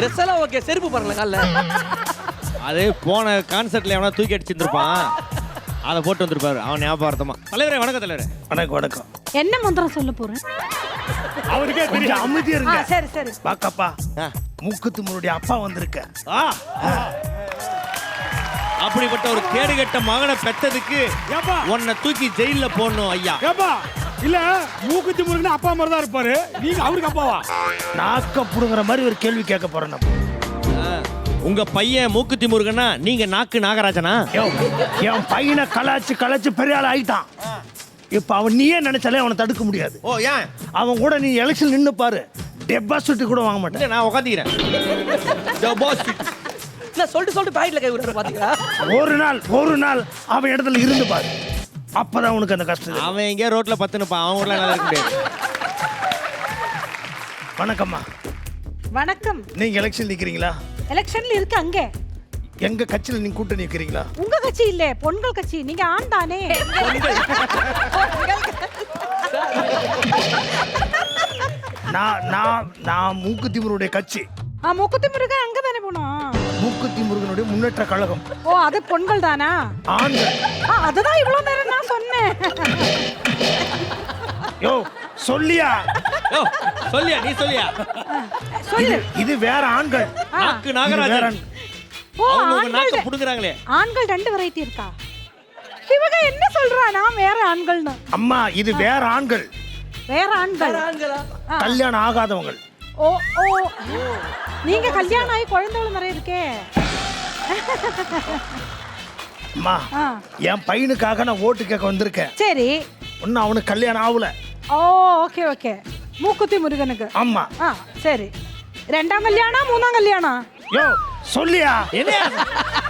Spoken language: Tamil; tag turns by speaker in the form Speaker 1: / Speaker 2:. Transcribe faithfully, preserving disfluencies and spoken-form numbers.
Speaker 1: ட்ரெஸ் எல்லாம் ஓகே, செருப்பு பாருங்களேன் கால்ல.
Speaker 2: அது போன கான்சர்ட்ல எவனா தூக்கி அடிச்சிருந்திருப்பான், அதை போட்டு வந்திருப்பாரு அவன் ஞாபகார்த்தமா. தலைவரே வணக்கம். தலைவரே
Speaker 3: வணக்கம். வணக்கம்.
Speaker 4: என்ன மந்திரம் சொல்ல போறேன்?
Speaker 3: அவருக்கே தெரியும். அமைதியா இருங்க.
Speaker 4: சரி சரி.
Speaker 3: பாக்கப்பா, மூக்குத்தி முருடைய அப்பா வந்திருக்க.
Speaker 2: அப்படிப்பட்ட ஒரு கேடுகட்ட மகனை பெற்றதுக்கு உன்னை தூக்கி ஜெயில போடணும் ஐயா.
Speaker 5: இல்ல மூக்குத்தி முருகன் அப்பா மாதிரி தான் இருப்பாரு, நீங்க அவருக்கு அப்பாவா?
Speaker 3: நாக்க புடுங்குற மாதிரி ஒரு கேள்வி கேட்க போறேன்.
Speaker 2: உங்க பையன் மூக்குத்தி முருகனா, நீங்க நாக்கு நாகராஜனா?
Speaker 3: என் பையனை கலாச்சு கலாச்சு பெரிய ஆள் ஆயிட்டான். இப்ப அவன் நீயே நினைச்சாலே அவனை தடுக்க முடியாது.
Speaker 2: ஓ ஏன்?
Speaker 3: அவன் கூட நீ எலெக்ஷன் நின்னு பாரு, டெபாசிட் கூட வாங்க மாட்டேன்.
Speaker 2: நான் உட்காந்துக்கிறேன்.
Speaker 1: என்ன சொல்லிட்டு சொல்லிட்டு பாக்கெட்ல கை விடுற பாத்தீங்களா?
Speaker 3: ஒரு நாள் ஒரு நாள் அவன் இடத்துல இருந்து பாரு, அப்பதான் உனக்கு அந்த கஷ்டம்.
Speaker 2: அவன் எங்கேயோ ரோட்ல பத்துனுப்பான், அவன் கூட நல்லா இருக்க முடியாது.
Speaker 3: வணக்கம்மா.
Speaker 4: வணக்கம்.
Speaker 3: நீங்க எலெக்ஷன் நிக்கிறீங்களா?
Speaker 4: எலெக்ஷன்ல இருக்கு அங்க.
Speaker 3: எங்க கட்சியில நீங்க கூட்டணி நிக்கிறீங்களா?
Speaker 4: உங்க கட்சி இல்ல, பொண்கள் கட்சி. நீங்க ஆண் தானே?
Speaker 3: நான் நான் நான் மூக்குத்தி முருகனுடைய கட்சி.
Speaker 4: ஆ, மூக்குத்தி முருகன் அங்க தானே போனோம்.
Speaker 3: மூக்குத்தி முருகனுடைய முன்னேற்ற கழகம்.
Speaker 4: ஓ, அது பொண்கள் தானா?
Speaker 3: ஆண்கள்.
Speaker 4: ஆ, அதுதான் இவ்வளவு நேரம் நான் சொன்னேன்.
Speaker 3: யோ சொல்லியா?
Speaker 2: யோ சொல்லியா? நீ சொல்லியா?
Speaker 4: சொல்லு.
Speaker 3: இது வேற ஆண்கள்.
Speaker 2: நாக்கு நாகராஜன்.
Speaker 4: ஓ,
Speaker 2: அவங்க நாக்க
Speaker 4: ஆண்கள்.
Speaker 2: புடுங்குறாங்களே.
Speaker 4: ஆண்கள் ரெண்டு வெரைட்டி இருக்கா? இவங்க என்ன சொல்றா? நான் வேற ஆண்கள்னு.
Speaker 3: அம்மா இது வேற ஆண்கள்.
Speaker 4: வேற ஆண்கள்.
Speaker 1: ஆண்களா?
Speaker 3: கல்யாணம் ஆகாதவங்க.
Speaker 4: ஓ ஓ, நீங்க கல்யாணம் ஆகி குழந்தைகள் நிறைய இருக்கே.
Speaker 3: அம்மா என் பையனுக்காக நான் ஓட்டு கேட்க வந்திருக்கேன்.
Speaker 4: சரி.
Speaker 3: ஒன்னும் அவனுக்கு கல்யாணம் ஆகல.
Speaker 4: Oh okay okay. மூக்குத்தி முருகனுக்கு.
Speaker 3: ஆமா.
Speaker 4: ஆ சரி. ரெண்டாம் கல்யாணம் மூணாம் கல்யாணம்?
Speaker 3: யோ சொல்லியா?
Speaker 2: என்ன